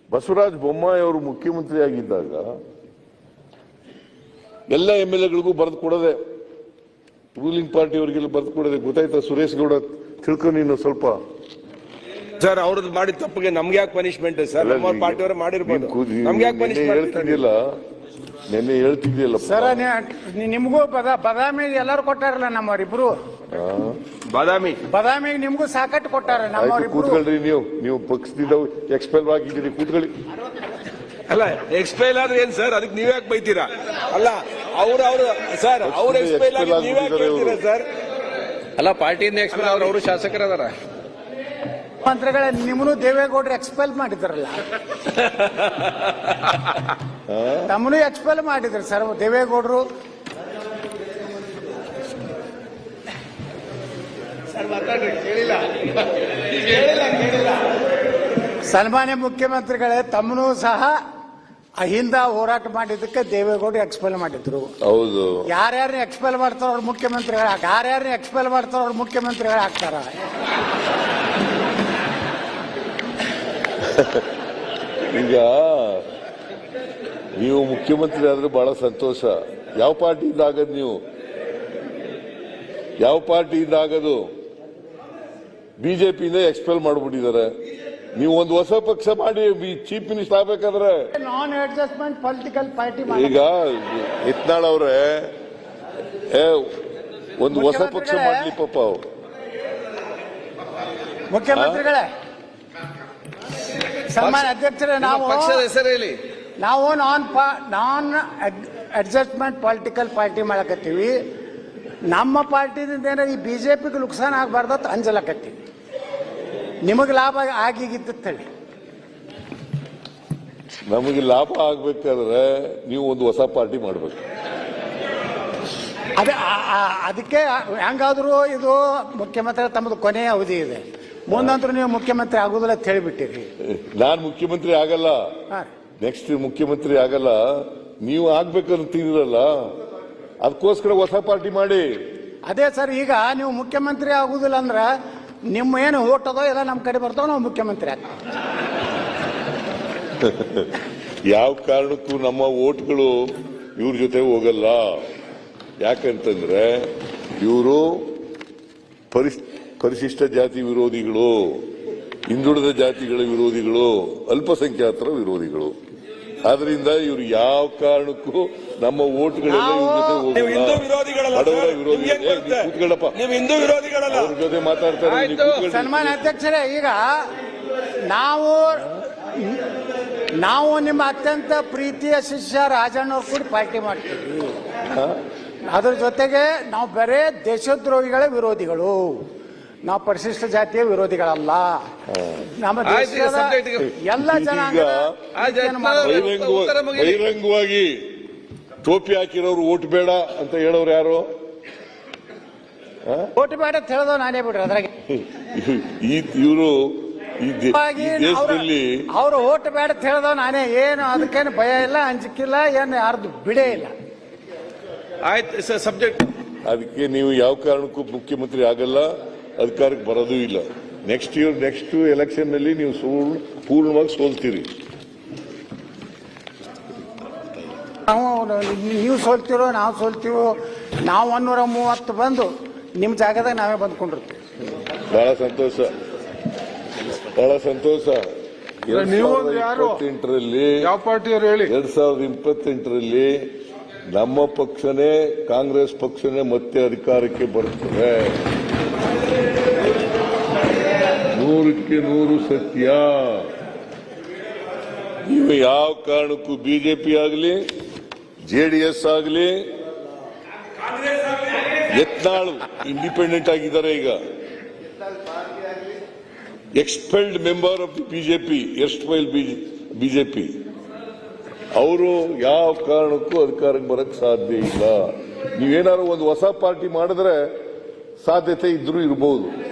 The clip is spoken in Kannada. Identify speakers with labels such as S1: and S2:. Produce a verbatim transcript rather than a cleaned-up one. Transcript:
S1: ಬಸವರಾಜ ಬೊಮ್ಮಾಯಿ ಅವರು ಮುಖ್ಯಮಂತ್ರಿ ಆಗಿದ್ದಾಗ ಎಲ್ಲ ಎಂ ಎಲ್ ಎಗಳಿಗೂ ಬರೆದು ಕೊಡದೆ, ರೂಲಿಂಗ್ ಪಾರ್ಟಿ ಅವರಿಗೆಲ್ಲ ಬರೆದು ಕೊಡದೆ. ಗೊತ್ತಾಯ್ತಾ ಸುರೇಶ್ ಗೌಡ? ತಿಳ್ಕೊ ನೀನು ಸ್ವಲ್ಪ.
S2: ಸರ್ ಅವ್ರದ್ದು ಮಾಡಿದ ತಪ್ಪಿಗೆ ನಮ್ಗೆ ಯಾಕೆ ಪನಿಷ್ಮೆಂಟ್ ಸರ್? ನಮ್ಮ ಪಾರ್ಟಿ ಅವರು ಮಾಡಿರ್ಬೋದು, ನಮ್ಗೆ ಯಾಕೆ ಪನಿಷ್ಮೆಂಟ್?
S1: ಹೇಳ್ತಿದ್ದಿಲ್ಲ ನೆನ್ನೆ ಹೇಳ್ತಿದ್ದಿಲ್ಲ
S3: ಸರ್. ನಿಮ್ಗೂ ಬದಾಮಿ ಎಲ್ಲರೂ ಕೊಟ್ಟಾರಲ್ಲ ನಮ್ಮವರಿಬ್ರು.
S2: ಬಾದಾಮಿ
S3: ಬಾದಾಮಿ ನಿಮ್ಗೂ ಸಾಕಟ್ಟು ಕೊಟ್ಟಾರ ನಮ್ಮವರಿಬ್ರು.
S1: ಕೂತ್ಕೊಳ್ರಿ, ನೀವು ನೀವು ಪಕ್ಷದಿಂದ ಎಕ್ಸ್ಪೆಲ್ ಆಗಿದ್ದೀರಿ, ಕೂತ್ಕೊಳ್ಳಿ.
S2: ಅಲ್ಲ ಎಕ್ಸ್ಪೈಲ್ ಆದ್ರೆ ಏನ್ ಸರ್? ಅದಕ್ಕೆ ನೀವ್ ಯಾಕೆ ಬೈತೀರಾ? ಅಲ್ಲ ಅವ್ರು ಅವ್ರು ಸರ್ ಅವ್ರ ಎಕ್ಸ್ಪೈಲ್ ಆಗಿ ನೀವ್ ಯಾಕೆ ಹೇಳ್ತೀರಾ ಸರ್?
S4: ಅಲ್ಲ ಪಾರ್ಟಿಯಿಂದ ಎಕ್ಸ್ಪೈಲ್ ಅವ್ರು ಅವರು ಶಾಸಕರದಾರ.
S3: ಮಂತ್ರಿಗಳ ನಿಮ್ಮನ್ನು ದೇವೇಗೌಡರು ಎಕ್ಸ್ಪೆಲ್ ಮಾಡಿದ್ರಲ್ಲ, ತಮ್ಮನು ಎಕ್ಸ್ಪೆಲ್ ಮಾಡಿದ್ರು ಸರ್ ದೇವೇಗೌಡರು. ಸನ್ಮಾನ್ಯ ಮುಖ್ಯಮಂತ್ರಿಗಳೇ, ತಮ್ಮನು ಸಹ ಅಹಿಂದ ಹೋರಾಟ ಮಾಡಿದ್ದಕ್ಕೆ ದೇವೇಗೌಡರು ಎಕ್ಸ್ಪೆಲ್ ಮಾಡಿದ್ರು.
S1: ಹೌದು.
S3: ಯಾರ್ಯಾರನ್ನ ಎಕ್ಸ್ಪೆಲ್ ಮಾಡ್ತಾರ ಅವ್ರ ಮುಖ್ಯಮಂತ್ರಿಗಳು, ಯಾರ್ಯಾರನ್ನ ಎಕ್ಸ್ಪೆಲ್ ಮಾಡ್ತಾರ ಅವ್ರ ಮುಖ್ಯಮಂತ್ರಿಗಳು ಆಗ್ತಾರ.
S1: ಈಗ ನೀವು ಮುಖ್ಯಮಂತ್ರಿ ಆದ್ರೆ ಬಹಳ ಸಂತೋಷ. ಯಾವ ಪಾರ್ಟಿಯಿಂದ ಆಗದು? ನೀವು ಯಾವ ಪಾರ್ಟಿಯಿಂದ ಆಗದು? ಬಿಜೆಪಿಯಿಂದ ಎಕ್ಸ್ಪೆಲ್ ಮಾಡ್ಬಿಟ್ಟಿದ್ದಾರೆ. ನೀವು ಒಂದು ಹೊಸ ಪಕ್ಷ ಮಾಡಿ ಚೀಫ್ ಮಿನಿಸ್ಟರ್ ಆಗ್ಬೇಕಾದ್ರೆ
S3: ನಾನ್ ಅಡ್ಜಸ್ಟ್ಮೆಂಟ್ ಪೊಲಿಟಿಕಲ್ ಪಾರ್ಟಿ. ಈಗ
S1: ಯತ್ನಾಳ್ ಅವ್ರೆ ಒಂದು ಹೊಸ ಪಕ್ಷ ಮಾಡ್ಲಿ ಪಾಪ.
S3: ಮುಖ್ಯಮಂತ್ರಿಗಳೇ, ಸನ್ಮಾನ್ಯ ಅಧ್ಯಕ್ಷರೇ, ನಾವು
S4: ಪಕ್ಷದ ಹೆಸರು ಹೇಳಿ.
S3: ನಾವು non non adjustment political party ಮಾಡಕತ್ತೀವಿ. ನಮ್ಮ ಪಾರ್ಟಿದಿಂದ ಏನೋ ಈ ಬಿಜೆಪಿಗೆ ನುಕ್ಸಾನ ಆಗಬಾರ್ದತ್ ಅಂಜಲಕತ್ತೀವಿ. ನಿಮಗೆ ಲಾಭ ಆಗಿಗಿತ್ತೇಳಿ.
S1: ನಮಗೆ ಲಾಭ ಆಗ್ಬೇಕಾದ್ರೆ ನೀವು ಒಂದು ಹೊಸ ಪಾರ್ಟಿ ಮಾಡ್ಬೇಕು.
S3: ಅದೇ ಅದಕ್ಕೆ ಹೆಂಗಾದ್ರು ಇದು ಮುಖ್ಯಮಂತ್ರಿ ತಮ್ಮದು ಕೊನೆಯ ಅವಧಿ ಇದೆ, ಮುಂದಂತರೂ ನೀವು ಮುಖ್ಯಮಂತ್ರಿ ಆಗುದಿಲ್ಲ ಅಂತ ಹೇಳಿಬಿಟ್ಟಿರಿ.
S1: ನಾನ್ ಮುಖ್ಯಮಂತ್ರಿ ಆಗಲ್ಲ, ನೆಕ್ಸ್ಟ್ ಮುಖ್ಯಮಂತ್ರಿ ಆಗಲ್ಲ, ನೀವು ಆಗ್ಬೇಕಂತೀರಲ್ಲ, ಅದಕ್ಕೋಸ್ಕರ ಹೊಸ ಪಾರ್ಟಿ ಮಾಡಿ.
S3: ಅದೇ ಸರ್, ಈಗ ನೀವು ಮುಖ್ಯಮಂತ್ರಿ ಆಗುದಿಲ್ಲ ಅಂದ್ರ ನಿಮ್ಮ ಏನು ಓಟ್ ಅದೋ ಎಲ್ಲ ನಮ್ಮ ಕಡೆ ಬರ್ತಾವ, ನಾವು ಮುಖ್ಯಮಂತ್ರಿ ಆಗ್ತೀವಿ.
S1: ಯಾವ ಕಾರಣಕ್ಕೂ ನಮ್ಮ ಓಟ್ಗಳು ಇವ್ರ ಜೊತೆ ಹೋಗಲ್ಲ. ಯಾಕಂತಂದ್ರೆ ಇವರು ಪರಿಶಿಷ್ಟ ಜಾತಿ ವಿರೋಧಿಗಳು, ಹಿಂದುಳಿದ ಜಾತಿಗಳ ವಿರೋಧಿಗಳು, ಅಲ್ಪಸಂಖ್ಯಾತರ ವಿರೋಧಿಗಳು. ಆದ್ರಿಂದ ಇವ್ರು ಯಾವ ಕಾರಣಕ್ಕೂ ನಮ್ಮ ಓಟ್ಗಳೆಲ್ಲ ಇವ್ರ ಜೊತೆ ಹೋಗಲ್ಲ. ಬಡವರ ವಿರೋಧಿ. ಕೂತ್ಕೊಳ್ಳಪ್ಪ, ಅವ್ರ ಜೊತೆ ಮಾತಾಡ್ತಾರೆ.
S3: ಸನ್ಮಾನ್ಯ ಅಧ್ಯಕ್ಷರೇ, ಈಗ ನಾವು ನಾವು ನಿಮ್ಮ ಅತ್ಯಂತ ಪ್ರೀತಿಯ ಶಿಷ್ಯ ರಾಜಣ್ಣವ್ರು ಕೂಡ ಪಾರ್ಟಿ ಮಾಡ್ತೀವಿ. ಅದ್ರ ಜೊತೆಗೆ ನಾವು ಬರೇ ದೇಶದ್ರೋಹಿಗಳ ವಿರೋಧಿಗಳು, ನಾವು ಪರಿಶಿಷ್ಟ ಜಾತಿಯ ವಿರೋಧಿಗಳಲ್ಲ. ನಮ್ಮ ದೇಶದ ಎಲ್ಲ ಜನಾಂಗ
S1: ಬಹಿರಂಗವಾಗಿ ಟೋಪಿ ಹಾಕಿರೋರು ಓಟ್ ಬೇಡ ಅಂತ ಹೇಳೋರು ಯಾರು?
S3: ಓಟ್ ಬೇಡ ಅಂತ ಹೇಳೋದು ನಾನೇ ಬಿಡ್ರಿ. ಅದ್ರಾಗೆ
S1: ಇವರು ಈ ದೇಶದಲ್ಲಿ
S3: ಅವ್ರು ಓಟ್ ಬೇಡ ಅಂತ ಹೇಳೋದು ನಾನೇ. ಏನು ಅದಕ್ಕೇನು ಭಯ ಇಲ್ಲ, ಅಂಜಿಕಿಲ್ಲ, ಏನು ಯಾರ್ದು ಬಿಡೇ ಇಲ್ಲ.
S2: ಆಯ್ತು ಸಬ್ಜೆಕ್ಟ್.
S1: ಅದಕ್ಕೆ ನೀವು ಯಾವ ಕಾರಣಕ್ಕೂ ಮುಖ್ಯಮಂತ್ರಿ ಆಗಲ್ಲ, ಅಧಿಕಾರಕ್ಕೆ ಬರೋದೂ ಇಲ್ಲ. ನೆಕ್ಸ್ಟ್ ಇಯರ್ ನೆಕ್ಸ್ಟ್ ಎಲೆಕ್ಷನ್ ನಲ್ಲಿ ನೀವು ಸೋಲ್ ಪೂರ್ಣವಾಗಿ ಸೋಲ್ತೀರಿ.
S3: ನಾವು ನೀವು ಸೋಲ್ತಿರೋ ನಾವು ಸೋಲ್ತೀವೋ, ನಾವು ಒನ್ನೂರ ಮೂವತ್ತು ಬಂದು ನಿಮ್ಮ ಜಾಗದಾಗ ನಾವೇ ಬಂದ್ಕೊಂಡಿರ್ತೀವಿ.
S1: ಬಹಳ ಸಂತೋಷ, ಬಹಳ ಸಂತೋಷ. ಇಪ್ಪತ್ತೆಂಟರಲ್ಲಿ
S4: ಯಾವ ಪಾರ್ಟಿಯವರು ಹೇಳಿ?
S1: ಎರಡ್ ಸಾವಿರದ ಇಪ್ಪತ್ತೆಂಟರಲ್ಲಿ ನಮ್ಮ ಪಕ್ಷನೇ, ಕಾಂಗ್ರೆಸ್ ಪಕ್ಷನೇ ಮತ್ತೆ ಅಧಿಕಾರಕ್ಕೆ ಬರುತ್ತದೆ. ನೂರಕ್ಕೆ ನೂರು ಸತ್ಯ. ನೀವು ಯಾವ ಕಾರಣಕ್ಕೂ ಬಿಜೆಪಿ ಆಗಲಿ, ಜೆಡಿಎಸ್ ಆಗಲಿ, ಯತ್ನಾಳ್ ಇಂಡಿಪೆಂಡೆಂಟ್ ಆಗಿದ್ದಾರೆ. ಈಗ expelled member of the BJP, erstwhile BJP, ಅವರು ಯಾವ ಕಾರಣಕ್ಕೂ ಅಧಿಕಾರಕ್ಕೆ ಬರಕ್ ಸಾಧ್ಯ ಇಲ್ಲ. ನೀವೇನಾದ್ರು ಒಂದು ಹೊಸ ಪಾರ್ಟಿ ಮಾಡಿದ್ರೆ ಸಾಧ್ಯತೆ ಇದ್ರೂ ಇರಬಹುದು.